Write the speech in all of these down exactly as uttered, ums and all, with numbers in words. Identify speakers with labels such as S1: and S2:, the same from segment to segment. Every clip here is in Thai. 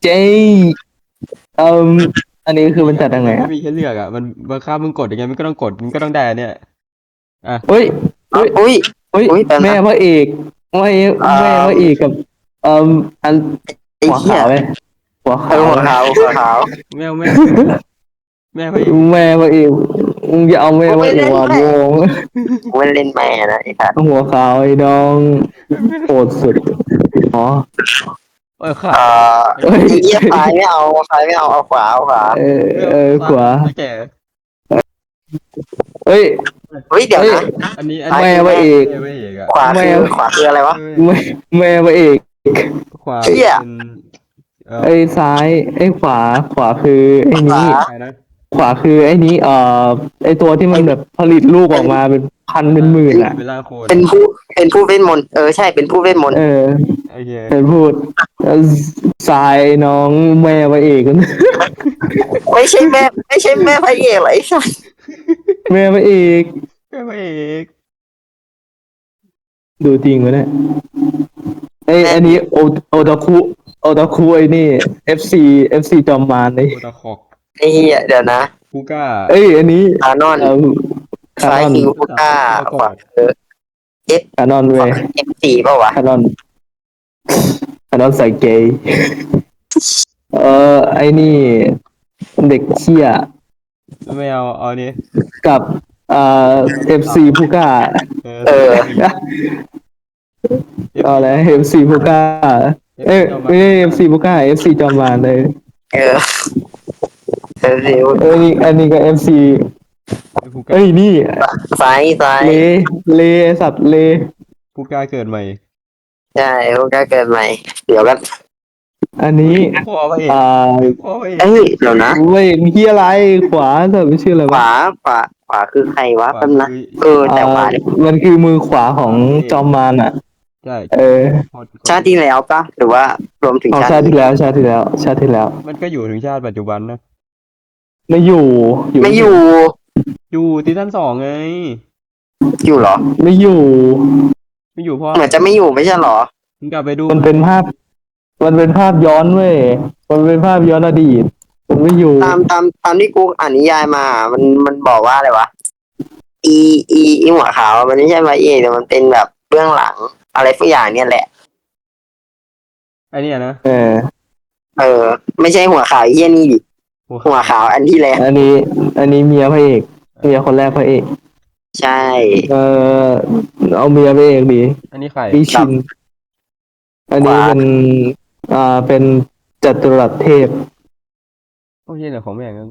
S1: เจ๊เอ่มอันนี้คือมันจัดยังไง
S2: มันไม่
S1: อ่ะ
S2: มีให้เลือกอ่ะมันบังคับมึงกดยังไงมึงก็ต้องกดมึงก็ต้องได้อันเนี่ยอ่ะ
S1: เฮ้ย
S3: อ๋อ
S1: เฮ้ย
S3: อุ้ย
S1: เฮ้ย
S3: อุ้ยแป๊บ
S1: แม่
S3: นะ
S1: พระเอกแม่
S3: เอ่
S1: แม่พระเอ
S3: อ
S1: กกับเอ่มอันหัว
S3: ไอ้เหี้ย
S1: ขาวไหมหัว
S3: เออ
S1: ขาวไหม
S3: หัวขาวหัวขาว
S2: แม่แม่แม่พระเอก
S1: แม่พระเอกมึงจะเอาแม่
S3: กูไม่
S1: พระเอก
S3: เล่นแม่
S1: มาวง
S3: กูไม่เล่นแม่นะไอ้สัส
S1: หัวขาวไอ้น้องโหดสุดอ๋อ
S2: เออขา
S3: เอ่
S2: ด
S3: อ
S2: ไอ้
S1: เฮ้ย
S3: ไอ้เหี้ยซ้ายไม่เอาซ้ายไม่เอาเอาขวาเอาขวา
S1: เออ
S2: ไม่เอา
S1: เออขวา
S2: ตาแก่
S1: เฮ้ย
S3: เฮ้ยเดี๋ยว
S1: เฮ้ย
S3: นะ
S2: อันนี้อัน
S3: ซ้าย
S2: นี้
S1: แม่
S3: คือแม่
S1: พระเอก
S2: แม่พระเอกอ่ะ
S3: ขวา
S1: แม่
S3: คือขวาคืออะไรวะ
S2: ไม่
S1: แม่แม่พระเอก
S2: ขวา
S3: เหี้ย
S2: เป็นเอ่อ
S1: ไอ้ซ้ายไอ้ขวาขวาคือไอ้
S3: ขวา
S1: นี้
S2: ใครนะ
S1: ขวาคือไอ้นี้เอ่อไอ้ตัวที่มันแบบผลิตลูกออกมาเป็นพันเป็นหมื่นอ่ะ
S2: เวลาโคน
S3: เป็นผู้เป็นผู้เวทมนต์เออใช่เป็นผู้เวทมนต์
S1: เออ
S2: โอเค
S1: เป็นพูดแล้วซ้ายน้องแม่พระเอกกัน
S3: ไม่ใช่แม่ไม่ใช่แม่พระเอกเหรอไอ้สัส
S1: แม่พระเอก
S2: แม่พระเอก
S1: ดูจริงวะเนี่ยไอ้อันนี้โอโอตาคุโอตาคุไอ้นี่ เอฟ ซี เอฟ ซี จอมมารเลย
S2: โอตาคอก
S3: ไอ้เหี้ยเดี๋ยวนะ
S2: คูก้า
S1: เอ้ยอันนี้
S3: คานอน
S1: เอ่อคา
S3: ซ้าย
S1: นอน
S3: คือฮูก้าขวาคือเอฟ
S1: คานอน
S3: ขวา
S1: เว้ย
S3: คือเอฟสี่เปล่าวะ
S1: คานอนคานอนใส่เกย์เออไอ้นี่เด็กเชี่ย
S2: ไม่เอาเอานี้
S1: กับเอ่อ เอฟ ซี ผู้กล้า
S2: เออ
S3: เออ
S1: เอาอะไร เอฟ ซี ผู้กล้าเอ้ยไม่ใช่ เอฟ ซี ผู้กล้า เอฟ ซี จอมมารเลย
S3: เออเออสิว
S1: เอ้ยนี่อันนี้ก็ เอฟ ซี
S2: คูก้า
S1: เอ้ยนี่
S3: ซ้ายซ้าย
S1: เลเลไอ้สัตว์เล
S2: คูก้าเกิดใหม่
S3: ใช่ฮูก้าเกิดใหม่เดี๋ยวกัน
S1: อันนี้
S2: พ่อพระเอก
S1: อ่า
S2: พ่อพระเอก
S3: เอ้ยเดี๋ยวนะ
S1: เว้ยเฮียอะไรขวาแต่ไม่ชื่ออะไร
S3: ข
S1: วะ
S3: วาขวาขวาคือใครวะ
S2: ขวา
S3: แป๊บนะ
S2: คือ
S3: เออแต่ขวา
S1: อ่า
S3: เนี่ย
S1: มันคือมือขวาของจอมมารอ่ะ
S2: ใช่
S1: เออ
S3: ชาติที่แล้วปะหรือว่ารวมถึง
S1: ของ
S3: ชา
S1: ชา
S3: ติ
S1: ติที่
S3: นี้
S1: แล้วชาติที่แล้ว ชาติที่แล้ว
S2: มันก็อยู่ถึงชาติปัจจุบันนะ
S1: ไม่อยู่อยู่
S3: ไม่อยู่
S2: อยู่ซีซั่นสองไง
S3: อยู่เหรอ
S1: ไม่อยู่
S2: ไม่อยู่เพราะ
S3: เหมือนจะไม่อยู่ไม่ใช่เหรอ
S2: มึงกลับไปดู
S1: มันเป็นภาพ มันเป็นภาพย้อนเว้ยมันเป็นภาพย้อนอดีตมันไม่อยู่
S3: ตามตามตามที่กูอ่านนิยายมา มันมันบอกว่าอะไรวะอีอีอีหัวขาวมันไม่ใช่พระเอกแต่มันเป็นแบบเบื้องหลัง อะไรสักอย่างเนี่ยแหละ
S2: ไอ้เนี่ยนะ
S1: เออ
S3: เออ ไม่ใช่หัวขาวไอ้เหี้ยนี่ดิหัวขาวอันที่แล้ว
S1: อันนี้ อันนี้เมียพระเอกเมียคนแรกพระเอก
S3: ใช่
S1: เออเอาเมียพระเอกดี
S2: อันนี้ใคร
S1: วิชิน อันนี้เป็นอ่าเป็นจัตุรัสเทพ
S2: โอ้ยเนี่ยของแม่งนั้น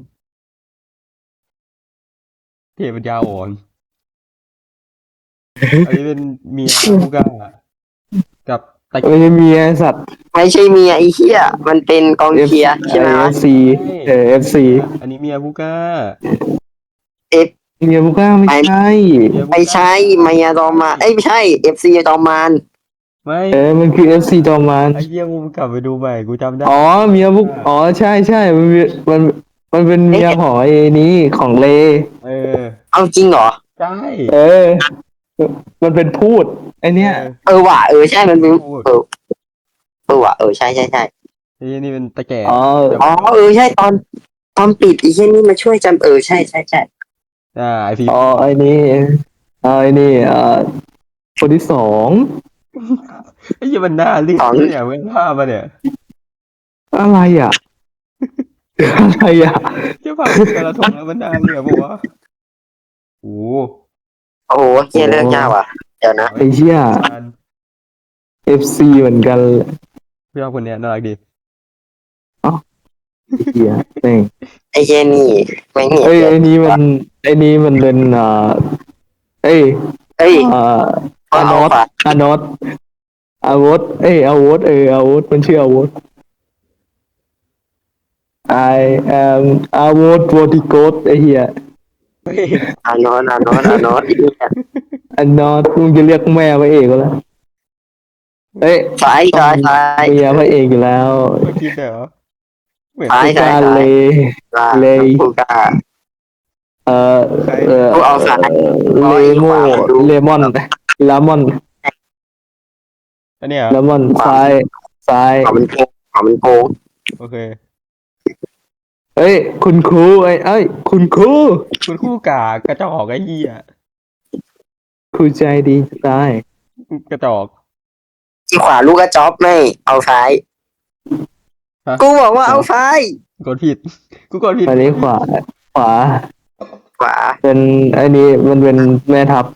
S2: เทพปัญญาอ่อนอันนี้เป็นเมียคูก้ากับตะ
S1: ไม่ใช่เมียไอ้สัตว์
S3: ไม่ใช่เมียไอ้เหี้ยมันเป็นกองเชียร์ใช่ไหม
S1: เอ
S3: วะ
S1: ฟซีเออเอฟซี
S2: อันนี้เมียคูก้า
S3: เอฟ
S1: เมียบุก้าไม่ใช่
S2: เมียคูก้า
S3: ไม่ใช่มายาดอมมานเอ้ยไม่ใช่เอฟซีจอมมาน
S2: ไม่
S1: เออมันคือเอฟซีจอมมาร
S2: ไอ้เหี้ยมึงกลับไปดูใหม่กูจำได้
S1: อ๋อเมียบุกอ๋อใช่ใช่มันมีมันมันเป็นเมียของไอ้นี้ของเล
S2: เออ
S3: เอาจริงเหรอ
S2: ใช่
S1: เออ มันเป็นพูดไอเนี้ย
S3: เออว่ะเออใช่มันเป็นเออเออว่ะเออใช่ใช่ใช่
S2: ไอ้เหี้ยนี่เป็นตะแก่
S1: อ๋อ
S3: อ๋อเออใช่ตอนตอนปิดไอ้เช่นนี่มาช่วยจำเออใช่ใช่ใช่
S2: อ่าไอพี
S1: อ๋อไอนี้อ๋อไอนี่อ่าคนที่สอง
S2: ไอ้เหี้ยมันหน้าเรียกเนี่ยเว้นภาพมาเนี่ย
S1: อะไรอ่ะ อะไรอ่ะ
S2: เจ้าภาพแต่ละทงแล้วมันหน้าเรียกปะวะโอ้
S3: โอ้โหเฮียเรื่องยากว่ะเดี๋ยวนะ
S1: ไอเชี่ย เอฟ ซี เหมือนกัน
S2: พี่ชอบคนเนี้ยน่ารักดี
S1: เฮียเอง
S3: ไอ้เช่นนี่ไม่เห็น
S1: เอ้ย
S3: เล
S1: ไอ้
S3: ย
S1: นี้มันไอ้นี้มันเป็นอ่าเอ้ย
S3: เอ้ย
S1: อ่า
S3: ก็
S1: อาน
S3: เอา
S1: อต
S3: ฝา
S1: อานอตอาวุธเอ้ยอาวุธเอออาวุธมันชื่ออาวุธ I am อาวุธวอติโกสไอ้เหี้ย
S2: เฮ้ย
S3: อานอนอานอนอานอนอีเนี่ย
S1: อันนอตมึงจะเรียกแม่พระเอกก็แล้วเอ้ย
S3: ซ้ายซ้ายซ้าย
S1: เมียพระเอกอยู่แล้ว
S2: เมื่อกี้เดี๋ยวเหมือน
S3: ซ้าย
S1: ผู้การเล
S3: ซ้าย
S1: เลย
S3: กูกล้า
S1: เอ่อเอ่อ
S3: กูเอาซ้าย
S1: เลโม
S3: เอาขวาดู
S1: เลมอนลามอน
S2: อันเนี้ย
S1: ลามอนซ้ายซ้าย
S3: ขวามันโกงขวามันโกง
S2: โอโอเค
S1: เอ้ยคุณครูไอ้เอ้ยคุณครู
S2: คุณคู่กากกระจอกไอ้เหี้ย
S1: ครูใจดีจะตาย
S2: กระจอก
S3: ที่ขวาลูกกระจ๊อบไม่เอาซ้าย
S2: ฮะ
S3: กูบอกว่าเอาซ้าย
S2: กดผิด กูกดผิด
S1: อันนี้ขวาขวา
S3: ขวา
S1: เป็นไอ้นี่มันเป็นแม่ทัพ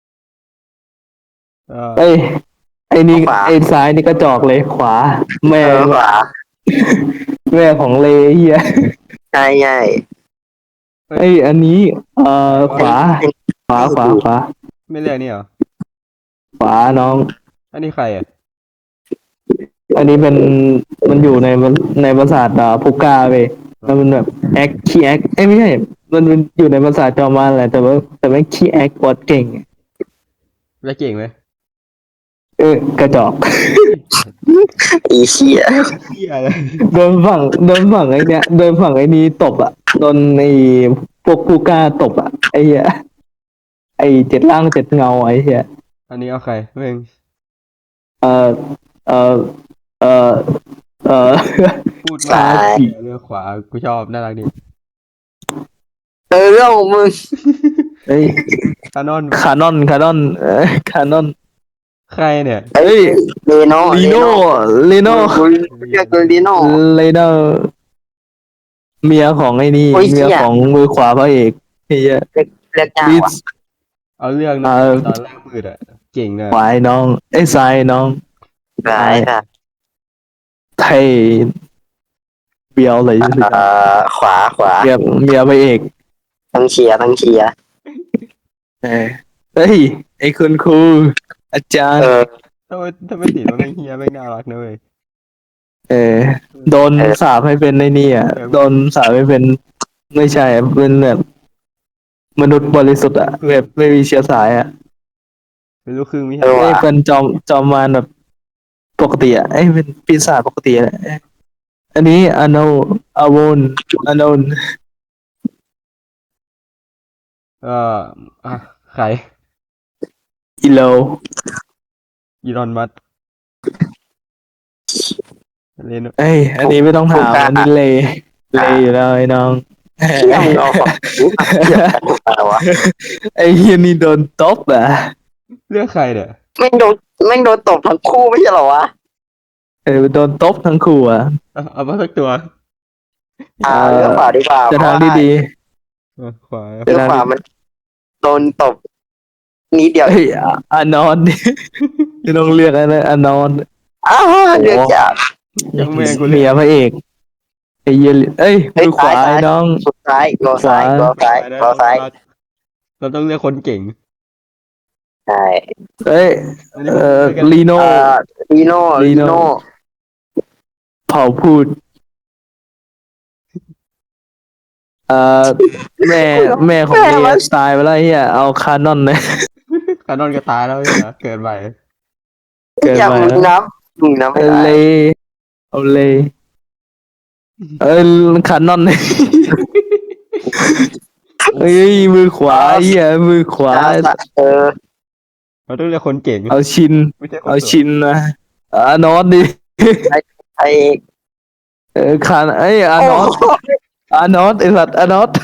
S2: เออ
S1: เอ้ยไอ้นี่ไอ้ซ้ายนี่ก็จอกเลยขวา แม่
S3: เออขวา
S1: แม่ของเลเฮีย
S3: ใช่ใช่
S1: ไอ้ยอันนี้ เอ่อขวา ขวาขวาขวา
S2: ไม่เรียกนี่เหรอ
S1: ขวาน้อง
S2: อันนี้ใครอ่ะ
S1: อันนี้เป็นมันอยู่ในในปราสาทอ่าพุก้าเว้ยแล้วมันแบบแอคขี้แอคเอ้ยไม่ใช่ มันเป็นอยู่ในปราสาทจอมมารแหละแต่ว่าแต่ไม่ขี้แอคบอดเก่ง
S2: แล้วเก่งไหม
S1: เออกระจอก
S3: อีเชี่ย
S2: เหี้ยอะไร
S1: โดนฝั่งโดนฝั่งไอ้เนี้ยโดนฝั่งไอ้นี้ตบอ่ะโดนไอ้พวกผู้กล้าตบอ่ะไอ้เหี้ยไอ้เจ็ดล่างเจ็ดเงาไอ้เหี้ย
S2: อันนี้เอาใครเม่ง
S1: เออเออเออเออ
S2: พูด
S1: ซ้าย
S2: เลือกขวา กูชอบ น่ารักดี
S3: เออเรื่องของมึง
S1: เฮ้ย
S2: คานอน
S1: คานอนคานอนเออคานอน
S2: ใครเนี่ย
S1: เฮ้ย
S3: เลโน่
S1: ลีโน่ลีโน่
S3: กูเรียกกูลีโน่
S1: เลโน่เมียของไอ้นี่
S3: โอ้ยเหี้
S1: เมี
S3: ย
S1: ยของมือขวาพระเอกไอ้เหี้ย
S3: เรียกยาก
S1: ลิ
S3: ว่ะ
S1: ส
S2: เอาเรื่องนะ
S1: เออ
S2: ตอนแรกมืดอ่ะ เก่งนะ
S1: ขวายน้องไอ้ซ้ายน้อง
S3: ซ้ายค่ะ
S1: ไทยเบียวเลย
S3: เอ่อขวาขวา
S1: เมียเมียพระเอก
S3: ต้องเชียร์ต้องเชียร์
S1: เออเฮ้ยไอ้คุณครูอาจาร
S3: เอ
S1: ย์
S3: อ
S2: ถ้าไม่ถ้าไม่ติดว่าแม่งเฮียแม่งน่ารักนะเว้ย
S1: เออโดน
S3: เออ
S1: สาปให้เป็นในนี่อ่ะ
S2: เออ
S1: โดนสาปให้เป็นไม่ใช่อะเป็นแบบมนุษย์บริสุทธิ์อ่ะแบบไม่มีเชื้อสายอ่ะ
S2: เป็นลูกครึ่งมิ
S3: เอ
S2: ใช่
S3: อ
S1: ไอ้
S3: ว่ะ
S1: เป็นจอมจอมมารแบบปกติอ่ะไอ้เป็นปีศาจปกติอ่ะเอ้ยอันนี้อโนอโวนอโนน
S2: เอออ่ะใคร
S1: อิโล
S2: อีรอนมัสก์เลน
S1: เอ้ยอันนี้ไม่ต้องถามอันนี้เลเลอยู่แล้วไอ้น้อง
S3: เชี่ยมึงเอาของกูมาเทียบกันทำไมวะ
S1: ไอ้เฮียนี่โดนตบอ่ะ
S2: เลือกใครเนี่ย
S3: แม่งโดนแม่งโดนตบทั้งคู่ไม่ใช่เหรอวะ
S1: เออโดนตบทั้งคู่อ่ะ
S2: เอาเอามาสักตัว
S3: อ่าเลือกขวาดีกว่า
S1: จะทางที่ดี
S2: เออขวา
S3: เลือกขวามันโดนตบนิดเดียว
S1: เฮ้ยอ่ะอานอนดิไม่ต้องเลือกอะไรอานอน
S3: อ้าวเลือกยาก
S2: ยังแม่งกู
S1: เมี
S2: เลื
S1: ย
S2: อก
S1: พระเอกไอ้เหี้ยเอ้ย
S3: เฮ้ย
S1: มือขวา
S3: ซ้าย
S1: ไอ้น้อง
S3: สุดซ้ายโกซ้ายโกซ้ายโกซ้าย
S2: เราต้องเลือกคนเก่ง
S3: ใช่
S1: เอ้ย
S2: อันนี้
S1: เอ่อ
S2: ผมเลือกกัน
S1: ลีโน่
S3: เอ่อลีโน่
S1: ลี
S3: ลี
S1: โน่
S3: โน่
S1: เผาพูดเอ่อแม่แม่ของเมียตายไปแล้วไอ้เฮียเอาคานอนเลย
S2: คานอนก็ตายแล้วเนี่ยเกิดใหม่
S1: เกิด
S3: อย่า
S1: มา
S3: มึงนับมึงนับไม่
S1: เอาเล
S3: ได้
S1: ยเอาเลยเอ้ยคานอนเลยเอ้ยมือขวาไอ้เฮียมือขวา
S3: เออ
S2: เราต้องเลือกคนเก่ง
S1: เอาชิน
S2: ไม่ใช่คน
S1: เอา
S2: สวย
S1: ชินนะอานอนดิ
S3: ไอ้
S1: เออคานเอ้ยอา
S3: โอ้
S1: นอต
S3: โห
S1: อานอตไอสัตว์อานอต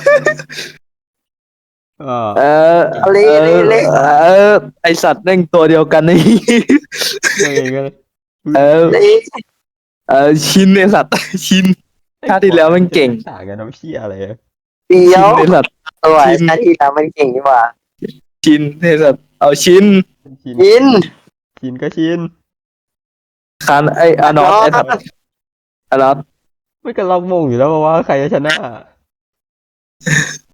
S2: เออ
S1: เออ
S3: เละ
S1: เออ
S3: เละ
S1: เออไอสัตว์แม่งตัวเดียวกันนี่
S2: เลือกเองกัน
S1: เออ
S3: เละ
S1: เออชินไอสัตว์ชิน ชาติที่แล้วมันเก่ง
S2: ต่างกันน้ำเชี่ยอะไรอะ
S3: เดีย
S1: ชิ
S3: วน
S1: ไอสัตว์
S3: ตัว
S1: ชิน
S3: ชาติที่แล้วมันเก่งนี่หว่า
S1: ชินไอสัตว์เอาชิน
S2: ชิน
S3: ยิน
S2: ชินก็ชิน
S1: คานไออานอตไอสัตว์อานอต
S2: ไม่กันล็อกมงอยู่แล้วว่าใครจะชนะ